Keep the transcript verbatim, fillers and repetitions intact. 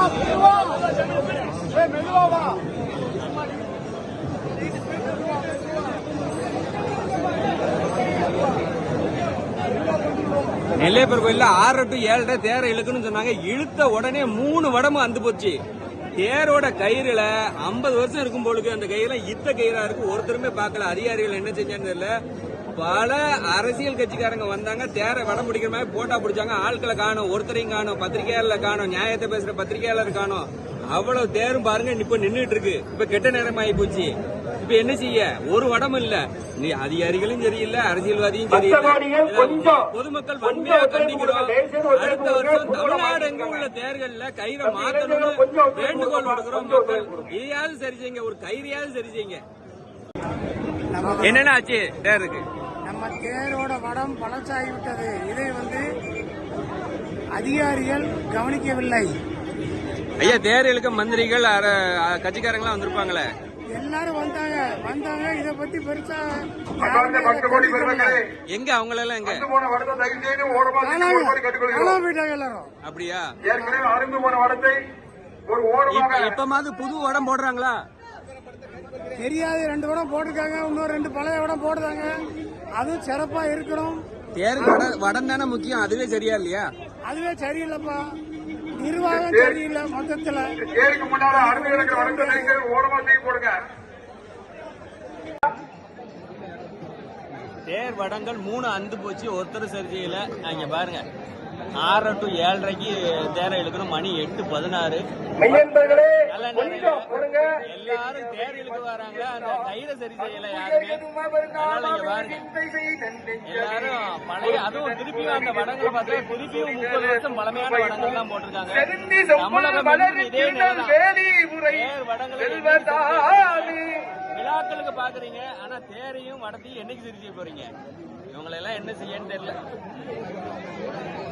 நெல்லையப்பர் கோயில்ல ஆறு டு ஏழரை தேரை இழுக்குன்னு சொன்னாங்க. இழுத்த உடனே மூணு வடமும் அந்து போச்சு. தேரோட கயிறுல ஐம்பது வருஷம் இருக்கும் போலுக்கு அந்த கயிறுல இத்த கயிறா இருக்கு. ஒருத்தருமே பார்க்கல. அதிகாரிகள் என்ன செஞ்சான்னு தெரியல. பல அரசியல் கட்சிக்காரங்க வந்தாங்க, தேரை வடம் பிடிக்கிற மாதிரி போட்டா பிடிச்சாங்க. ஆட்களை காணும், ஒருத்தரையும் காணும், பத்திரிகையாளர் காணும், நியாயத்தை பேசுற பத்திரிகையாளர் காணும். அவ்வளவு தேரும் பாருங்க இப்ப நின்றுட்டு இருக்கு. இப்ப கெட்ட நேரம் ஆகி போச்சு. இப்ப என்ன செய்ய? ஒரு வடம் இல்ல. நீ அதிகாரிகளும் சரியில்லை, அரசியல்வாதியும் சரியில்லை. பொதுமக்கள் வன்மையா கண்டிக்கிறோம். அடுத்த வருஷம் தமிழ்நாடு எங்க உள்ள தேர்தல்ல கயிறை மாத்தணும்னு வேண்டுகோள் கொடுக்கிறோம். மக்கள் இதையாவது சரி செய்யுங்க, ஒரு கயிறையாவது சரி செய்யுங்க. என்னென்ன ஆச்சு தேருக்கு? நம்ம தேரோட வடம் பழச்சாகிவிட்டது. இதை வந்து அதிகாரிகள் கவனிக்கவில்லை. ஐயா, தேர் இழுக்க மந்திரிகள் கட்சிக்காரங்களாம் வந்திருப்பாங்களே. எல்லாரும் வந்தாங்க வந்தாங்க இதை பத்தி பெருசா எங்க அவங்களெல்லாம் எங்க எல்லாரும் அப்படியா? இப்பமாவது புது வடம் போடுறாங்களா தெரியாது. ரெண்டு வடம் போட்டிருக்காங்க, இன்னொரு ரெண்டு பழைய வடம் போடுறாங்க. அதுவும் சிறப்பா இருக்கணும். தேருக்கு வடம் தானே முக்கியம். அதுவே சரியா இல்லையா? அதுவே சரியில்லைப்பா. நிர்வாகம் சரியில்லை. மொத்தத்துல தேர் வடங்கள் மூணு அந்து போச்சு. ஒருத்தர் சரி செய்யல. அங்க பாருங்க, ஆறு டு ஏழரைக்கு தேரை இழுக்கணும். மணி எட்டு பதினாறு. எல்லாரும் தேர் இழுக்க வராங்க, அந்த கயிறை சரி செய்யல யாருமே. அதனால இங்க பாருங்க, எல்லாரும் பழைய, அதுவும் திருப்பியும் அந்த வடங்களை பார்த்தா திருப்பியும் முப்பது வருஷம் பழமையான வடங்கள் தான் போட்டிருக்காங்க. தமிழகம் இதே நேரம் தேர் வடங்களை விழாக்களுக்கு பாக்குறீங்க, ஆனா தேரையும் வடத்தையும் என்னைக்கு சரி செய்ய போறீங்க? இவங்களெல்லாம் என்ன செய்யன்னு தெரியல.